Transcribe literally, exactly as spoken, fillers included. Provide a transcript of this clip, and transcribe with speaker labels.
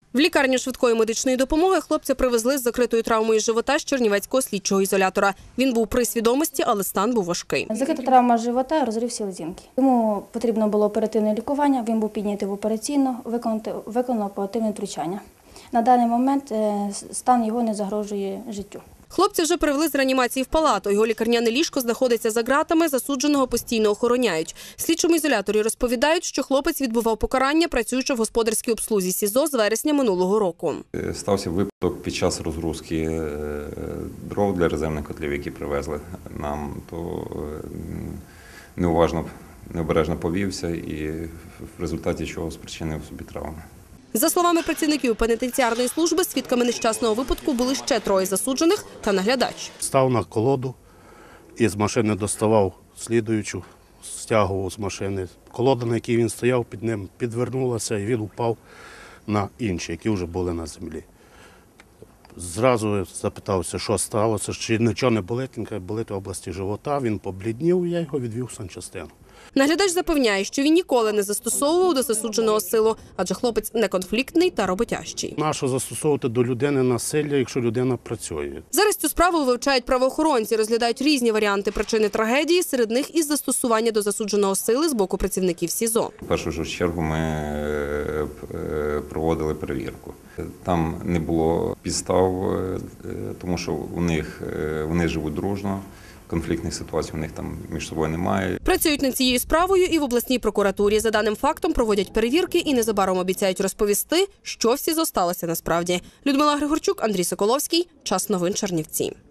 Speaker 1: В лікарню швидкої медичної допомоги хлопця привезли з закритою травмою живота з чернівецького слідчого ізолятора. Він був при свідомості, але стан був важкий.
Speaker 2: Закрита травма живота, розрив селезінки. Йому потрібно було оперативне лікування, він був піднятий в операційну, виконано оперативне втручання. На даний момент стан його не загрожує життю.
Speaker 1: Хлопця вже привели з реанімації в палату. Його лікарняне ліжко знаходиться за ґратами, засудженого постійно охороняють. В слідчому ізоляторі розповідають, що хлопець відбував покарання, працюючи в господарській обслузі СІЗО з вересня минулого року.
Speaker 3: Стався випадок під час розгрузки дров для резервних котлів, які привезли нам, то неуважно, необережно повівся і в результаті чого спричинив собі травми.
Speaker 1: За словами працівників пенітенціарної служби, свідками нещасного випадку були ще троє засуджених та наглядач.
Speaker 4: Став на колоду і з машини доставав слідуючу, стягував з машини. Колода, на якій він стояв, під ним підвернулася і він упав на інші, які вже були на землі. Зразу запитався, що сталося, чи нічого не болить, він каже, болить в області живота, він побліднів, я його відвів в санчастину.
Speaker 1: Наглядач запевняє, що він ніколи не застосовував до засудженого силу, адже хлопець неконфліктний та роботящий.
Speaker 4: Нащо застосовувати до людини насилля, якщо людина працює?
Speaker 1: Зараз цю справу вивчають правоохоронці, розглядають різні варіанти причини трагедії, серед них і застосування до засудженого сили з боку працівників СІЗО.
Speaker 3: В першу ж чергу ми проводили перевірку. Там не було підстав, тому що у них, вони живуть дружно. Конфліктних ситуацій у них там між собою немає.
Speaker 1: Працюють над цією справою і в обласній прокуратурі. За даним фактом проводять перевірки і незабаром обіцяють розповісти, що в СІЗО сталося насправді. Людмила Григорчук, Андрій Соколовський. Час новин Чернівці.